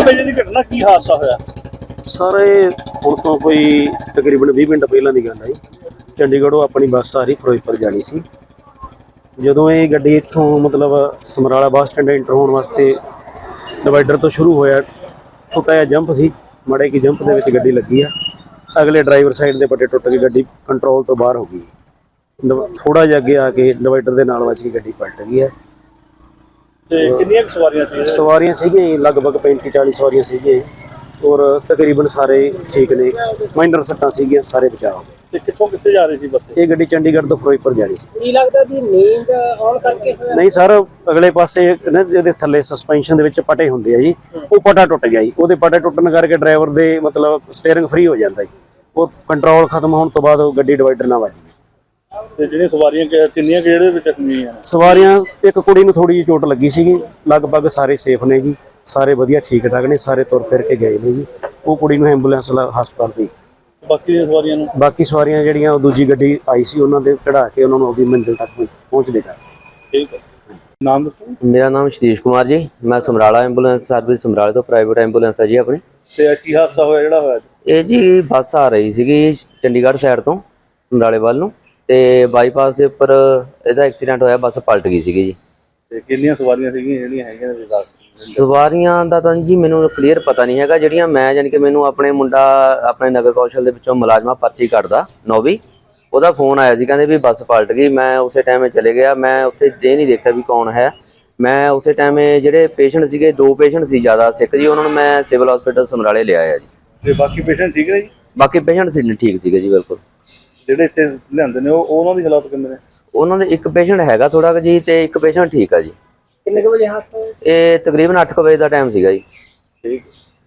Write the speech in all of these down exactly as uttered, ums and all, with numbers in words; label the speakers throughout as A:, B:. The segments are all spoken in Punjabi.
A: ਵਜੇ ਦੀ ਘਟਨਾ, ਕੀ ਹਾਦਸਾ ਹੋਇਆ
B: ਸਰ? ਇਹ ਹੁਣ ਤੋਂ ਕੋਈ ਤਕਰੀਬਨ ਵੀਹ ਮਿੰਟ ਪਹਿਲਾਂ ਦੀ ਗੱਲ ਹੈ ਜੀ। ਚੰਡੀਗੜ੍ਹੋਂ ਆਪਣੀ ਬੱਸ ਆ ਰਹੀ ਫਿਰੋਜ਼ਪੁਰ ਜਾਣੀ ਸੀ। ਜਦੋਂ ਇਹ ਗੱਡੀ ਇੱਥੋਂ ਮਤਲਬ ਸਮਰਾਲਾ ਬੱਸ ਸਟੈਂਡ ਐਂਟਰ ਹੋਣ ਵਾਸਤੇ ਡਿਵਾਈਡਰ ਤੋਂ ਸ਼ੁਰੂ ਹੋਇਆ, ਛੋਟਾ ਜਿਹਾ ਜੰਪ ਸੀ, ਮਾੜੇ ਕੀ ਜੰਪ ਦੇ ਵਿੱਚ ਗੱਡੀ ਲੱਗੀ ਆ। ਅਗਲੇ ਡਰਾਈਵਰ ਸਾਈਡ ਦੇ ਪੱਟੇ ਟੁੱਟ ਕੇ ਗੱਡੀ ਕੰਟਰੋਲ ਤੋਂ ਬਾਹਰ ਹੋ ਗਈ। ਥੋੜਾ ਜਿਹਾ ਅੱਗੇ ਆ ਕੇ ਡਿਵਾਈਡਰ ਦੇ ਨਾਲ ਵੱਜ ਕੇ ਗੱਡੀ ਪਲਟ ਗਈ ਹੈ।
A: ਤੇ ਕਿੰਨੀਆਂ ਸਵਾਰੀਆਂ ਸੀ?
B: ਸਵਾਰੀਆਂ ਸੀਗੀਆਂ ਲਗਭਗ ਪੈਂਤੀ ਚਾਲੀ ਸਵਾਰੀਆਂ ਸੀਗੀਆਂ ਔਰ ਤਕਰੀਬਨ ਸਾਰੇ ਠੀਕ ਨੇ, ਮਾਈਨਰ ਸੱਟਾਂ ਸੀਗੀਆਂ, ਸਾਰੇ ਬਚਾਅ ਹੋ ਗਏ।
A: ਤੇ ਕਿੱਥੋਂ ਕਿੱਥੇ ਜਾ ਰਹੀ ਸੀ ਬੱਸ?
B: ਇਹ ਗੱਡੀ ਚੰਡੀਗੜ੍ਹ ਤੋਂ ਫਿਰੋਜ਼ਪੁਰ ਜਾ ਰਹੀ ਸੀ।
C: ਕੀ ਲੱਗਦਾ ਜੀ ਨੀਂਦ ਆਉਣ ਕਰਕੇ ਹੋਇਆ?
B: ਨਹੀਂ ਸਰ, ਅਗਲੇ ਪਾਸੇ ਨਾ ਜਿਹਦੇ ਥੱਲੇ ਸਸਪੈਂਸ਼ਨ ਦੇ ਵਿੱਚ ਪਟੇ ਹੁੰਦੇ ਆ ਜੀ, ਉਹ ਪਟਾ ਟੁੱਟ ਗਿਆ ਜੀ। ਉਹਦੇ ਪਟੇ ਟੁੱਟਣ ਕਰਕੇ ਡਰਾਈਵਰ ਦੇ ਮਤਲਬ ਸਟੀਅਰਿੰਗ ਫ੍ਰੀ ਹੋ ਜਾਂਦਾ ਜੀ। ਉਹ ਕੰਟਰੋਲ ਖਤਮ ਹੋਣ ਤੋਂ ਬਾਅਦ ਉਹ ਗੱਡੀ ਡਿਵਾਈਡਰ ਨਾਲ ਵੱਜ ਗਈ।
A: ਤੇ ਜਿਹੜੀਆਂ ਸਵਾਰੀਆਂ ਕਿੰਨੀਆਂ ਜਿਹੜੇ ਵਿੱਚ ਜ਼ਖਮੀ ਆ?
B: ਸਵਾਰੀਆਂ ਇੱਕ ਕੁੜੀ ਨੂੰ ਥੋੜੀ ਜਿਹੀ ਚੋਟ ਲੱਗੀ ਸੀਗੀ, ਲਗਭਗ ਸਾਰੇ ਸੇਫ ਨੇ ਜੀ, ਸਾਰੇ ਵਧੀਆ ਠੀਕ ਠਾਕ ਨੇ, ਸਾਰੇ ਤੁਰ ਫਿਰ ਕੇ ਗਏ ਨੇ ਜੀ। ਉਹ ਕੁੜੀ ਨੂੰ ਐਂਬੂਲੈਂਸ ਹਸਪਤਾਲ ਭੇਜੀ।
A: ਬਾਕੀ ਦੀਆਂ ਸਵਾਰੀਆਂ ਨੂੰ
B: ਬਾਕੀ ਸਵਾਰੀਆਂ ਜਿਹੜੀਆਂ ਉਹ ਦੂਜੀ ਗੱਡੀ ਆਈ ਸੀ ਉਹਨਾਂ ਦੇ ਚੜਾ ਕੇ ਉਹਨਾਂ ਨੂੰ ਆਪਣੀ ਮੰਜ਼ਿਲ ਤੱਕ ਪਹੁੰਚਦੇ ਕਰ।
A: ਠੀਕ ਹੈ, ਨਾਮ ਦੱਸੋ?
D: ਮੇਰਾ ਨਾਮ ਸਤੀਸ਼ ਕੁਮਾਰ ਜੀ, ਮੈਂ ਸਮਰਾਲਾ ਐਂਬੂਲੈਂਸ ਸਰਵਿਸ ਸਮਰਾਲੇ ਤੋਂ ਪ੍ਰਾਈਵੇਟ ਐਂਬੂਲੈਂਸ ਹੈ ਜੀ ਆਪਣੀ।
A: ਤੇ ਕੀ ਹਾਦਸਾ ਹੋਇਆ ਜਿਹੜਾ ਹੋਇਆ?
D: ਇਹ ਜੀ ਬੱਸ ਆ ਰਹੀ ਸੀਗੀ ਚੰਡੀਗੜ੍ਹ ਸਾਈਡ ਤੋਂ ਸਮਰਾਲੇ ਵੱਲ ਨੂੰ, ਤੇ ਬਾਈਪਾਸ ਦੇ ਉੱਪਰ ਇਹਦਾ ਐਕਸੀਡੈਂਟ ਹੋਇਆ, ਬੱਸ ਪਲਟ ਗਈ ਸੀਗੀ ਜੀ।
A: ਤੇ ਕਿੰਨੀਆਂ ਸਵਾਰੀਆਂ ਸੀਗੀਆਂ ਜਿਹੜੀਆਂ ਹੈਗੀਆਂ ਨੇ?
D: ਸਵਾਰੀਆਂ ਦਾ ਤਾਂ ਜੀ ਮੈਨੂੰ ਕਲੀਅਰ ਪਤਾ ਨਹੀਂ ਹੈਗਾ। ਜਿਹੜੀਆਂ ਮੈਂ ਯਾਨੀ ਕਿ ਮੈਨੂੰ ਆਪਣੇ ਮੁੰਡਾ ਆਪਣੇ ਨਗਰ ਕੌਸ਼ਲ ਦੇ ਵਿੱਚੋਂ ਮੁਲਾਜ਼ਮਾ ਪਰਚੀ ਕੱਢਦਾ ਨੌਵੀਂ, ਉਹਦਾ ਫੋਨ ਆਇਆ ਸੀ, ਕਹਿੰਦੇ ਵੀ ਬੱਸ ਪਲਟ ਗਈ। ਮੈਂ ਉਸੇ ਟਾਈਮੇ ਚਲੇ ਗਿਆ, ਮੈਂ ਉੱਥੇ ਇਹ ਨਹੀਂ ਦੇਖਿਆ ਵੀ ਕੌਣ ਹੈ। ਮੈਂ ਉਸੇ ਟਾਈਮੇ ਜਿਹੜੇ ਪੇਸ਼ੈਂਟ ਸੀਗੇ, ਦੋ ਪੇਸ਼ੈਂਟ ਸੀ ਜ਼ਿਆਦਾ ਸਿੱਖ ਜੀ, ਉਹਨਾਂ ਨੂੰ ਮੈਂ ਸਿਵਲ ਹਸਪੀਟਲ ਸਮਰਾਲੇ ਲਿਆਇਆ ਜੀ।
A: ਤੇ ਬਾਕੀ ਪੇਸ਼ੈਂਟ ਠੀਕ ਨੇ ਜੀ?
D: ਬਾਕੀ ਪੇਸ਼ੈਂਟ ਸੀ ਠੀਕ ਸੀਗੇ ਜੀ, ਬਿਲਕੁਲ।
A: ਜਿਹੜੇ ਇੱਥੇ ਲਿਆਂਦੇ ਨੇ ਉਹ ਉਹਨਾਂ ਦੀ ਹਾਲਾਤ ਕਿੰਨੇ ਨੇ?
D: ਉਹਨਾਂ ਦੇ ਇੱਕ ਪੇਸ਼ੈਂਟ ਹੈਗਾ ਥੋੜਾ ਕੁ ਜੀ, ਤੇ ਇੱਕ ਪੇਸ਼ੈਂਟ ਠੀਕ ਆ ਜੀ।
C: ਕਿੰਨੇ ਕੁ ਵਜੇ ਹਾਦਸਾ ਹੋਇਆ?
D: ਇਹ ਤਕਰੀਬਨ ਅੱਠ ਕੁ ਵਜੇ ਦਾ ਟਾਈਮ ਸੀਗਾ ਜੀ।
A: ਠੀਕ।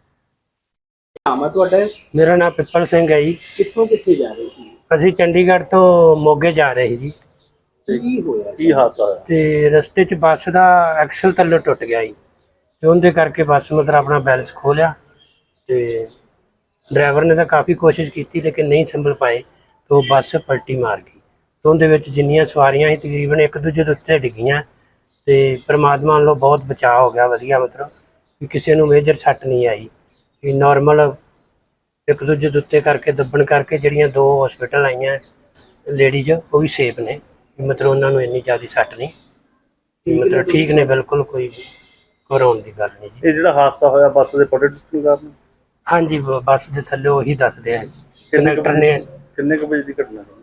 C: ਨਾਮ ਹੈ ਤੁਹਾਡਾ?
E: ਮੇਰਾ ਨਾਮ ਪਿੱਪਲ ਸਿੰਘ ਹੈ ਜੀ।
C: ਕਿੱਥੋਂ ਕਿੱਥੇ ਜਾ ਰਹੇ ਸੀ?
E: ਅਸੀਂ ਚੰਡੀਗੜ੍ਹ ਤੋਂ ਮੋਗੇ ਜਾ ਰਹੇ ਸੀ ਜੀ।
C: ਕੀ ਹੋਇਆ?
A: ਕੀ ਹਾਦਸਾ ਹੋਇਆ?
E: ਤੇ ਰਸਤੇ 'ਚ ਬੱਸ ਦਾ ਐਕਸਲ ਥੱਲੇ ਟੁੱਟ ਗਿਆ ਜੀ, ਤੇ ਉਹਦੇ ਕਰਕੇ ਬੱਸ ਮਤਲਬ ਆਪਣਾ ਬੈਲੈਂਸ ਖੋ ਲਿਆ। ਤੇ ਡਰਾਈਵਰ ਨੇ ਤਾਂ ਕਾਫੀ ਕੋਸ਼ਿਸ਼ ਕੀਤੀ ਲੇਕਿਨ ਨਹੀਂ ਸੰਭਲ ਪਾਏ, ਤੇ ਉਹ ਬੱਸ ਪਲਟੀ ਮਾਰ ਗਈ। ਤੇ ਉਹਦੇ ਵਿੱਚ ਜਿੰਨੀਆਂ ਸਵਾਰੀਆਂ ਸੀ ਤਕਰੀਬਨ ਇੱਕ ਦੂਜੇ ਦੇ ਉੱਤੇ ਡਿੱਗੀਆਂ, ਤੇ ਪਰਮਾਤਮਾ ਵੱਲੋਂ ਬਹੁਤ ਬਚਾਅ ਹੋ ਗਿਆ, ਵਧੀਆ, ਮਤਲਬ ਕਿ ਕਿਸੇ ਨੂੰ ਮੇਜਰ ਸੱਟ ਨਹੀਂ ਆਈ। ਕਿ ਨੋਰਮਲ ਇੱਕ ਦੂਜੇ ਦੇ ਉੱਤੇ ਕਰਕੇ ਦੱਬਣ ਕਰਕੇ ਜਿਹੜੀਆਂ ਦੋ ਹਸਪੀਟਲ ਆਈਆਂ ਲੇਡੀਜ਼, ਉਹ ਵੀ ਸੇਫ ਨੇ, ਮਤਲਬ ਉਹਨਾਂ ਨੂੰ ਇੰਨੀ ਜ਼ਿਆਦਾ ਸੱਟ ਨਹੀਂ, ਮਤਲਬ ਠੀਕ ਨੇ ਬਿਲਕੁਲ, ਕੋਈ ਘਬਰਾਉਣ ਦੀ ਗੱਲ ਨਹੀਂ ਜੀ।
A: ਇਹ ਜਿਹੜਾ ਹਾਦਸਾ ਹੋਇਆ ਬੱਸ ਦੇ ਪਟੇ ਟੁੱਟਣ ਕਾਰਨ?
E: ਹਾਂਜੀ, ਬੱਸ ਦੇ ਥੱਲੇ ਉਹੀ ਦੱਸਦੇ ਆ ਕੰਡਕਟਰ ਨੇ।
A: ਕਿੰਨੇ ਕੁ ਵਜੇ ਦੀ ਘਟਨਾ ਹੈ?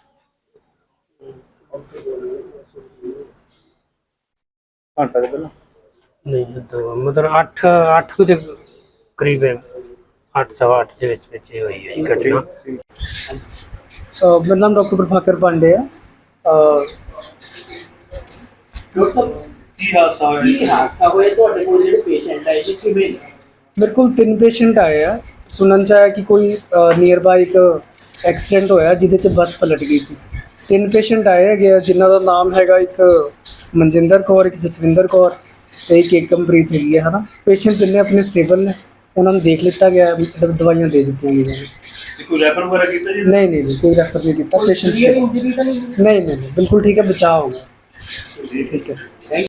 A: ਘੰਟਾ ਕੁ ਪਹਿਲਾਂ?
E: ਨਹੀਂ, ਦੋ ਮਤਲਬ ਅੱਠ ਅੱਠ ਦੇ ਕਰੀਬ, ਅੱਠ ਸਵਾ ਅੱਠ ਦੇ ਵਿੱਚ ਵਿੱਚ ਇਹ ਹੋਈ ਹੈ ਜੀ ਘਟਨਾ।
C: ਮੇਰਾ ਨਾਮ ਡਾਕਟਰ ਪ੍ਰਭਾਕਰ ਪਾਂਡੇ ਹੈ।
A: ਕੀ ਹਾਦਸਾ ਹੋਇਆ?
C: ਕੀ ਹਾਦਸਾ ਹੋਇਆ ਤੁਹਾਡੇ ਕੋਲ? ਜਿਹੜੇ ਪੇਸ਼ੈਂਟ ਆਏ ਜੀ ਕਿਵੇਂ? ਮੇਰੇ ਕੋਲ ਤਿੰਨ ਪੇਸ਼ੈਂਟ ਆਏ ਆ। ਸੁਣਨ 'ਚ ਆਇਆ ਕਿ ਕੋਈ ਨੀਅਰ ਬਾਈ ਇੱਕ ਐਕਸੀਡੈਂਟ ਹੋਇਆ ਜਿਹਦੇ 'ਚ ਬੱਸ ਪਲਟ ਗਈ ਸੀ। ਤਿੰਨ ਪੇਸ਼ੈਂਟ ਆਏ ਹੈਗੇ ਆ ਜਿਨ੍ਹਾਂ ਦਾ ਨਾਮ ਹੈਗਾ, ਇੱਕ ਮਨਜਿੰਦਰ ਕੌਰ, ਇੱਕ ਜਸਵਿੰਦਰ ਕੌਰ ਤੇ ਇੱਕ ਏਕਮਪ੍ਰੀਤ ਹੈਗੀ ਹੈ, ਹੈ ਨਾ। ਪੇਸ਼ੈਂਟ ਜਿੰਨੇ ਆਪਣੇ ਸਟੇਬਲ ਨੇ, ਉਹਨਾਂ ਨੂੰ ਦੇਖ ਲਿੱਤਾ ਗਿਆ, ਦਵਾਈਆਂ ਦੇ ਦਿੱਤੀਆਂ ਗਈਆਂ ਨੇ।
A: ਕੋਈ ਰੈਫਰ ਵਗੈਰਾ ਕੀਤਾ ਜੀ?
C: ਨਹੀਂ ਨਹੀਂ ਕੋਈ ਰੈਫਰ ਨਹੀਂ ਕੀਤਾ। ਪੇਸ਼ੈਂਟ ਨਹੀਂ ਨਹੀਂ ਬਿਲਕੁਲ ਠੀਕ ਹੈ, ਬਚਾਅ ਹੋ ਗਿਆ। ਠੀਕ ਹੈ।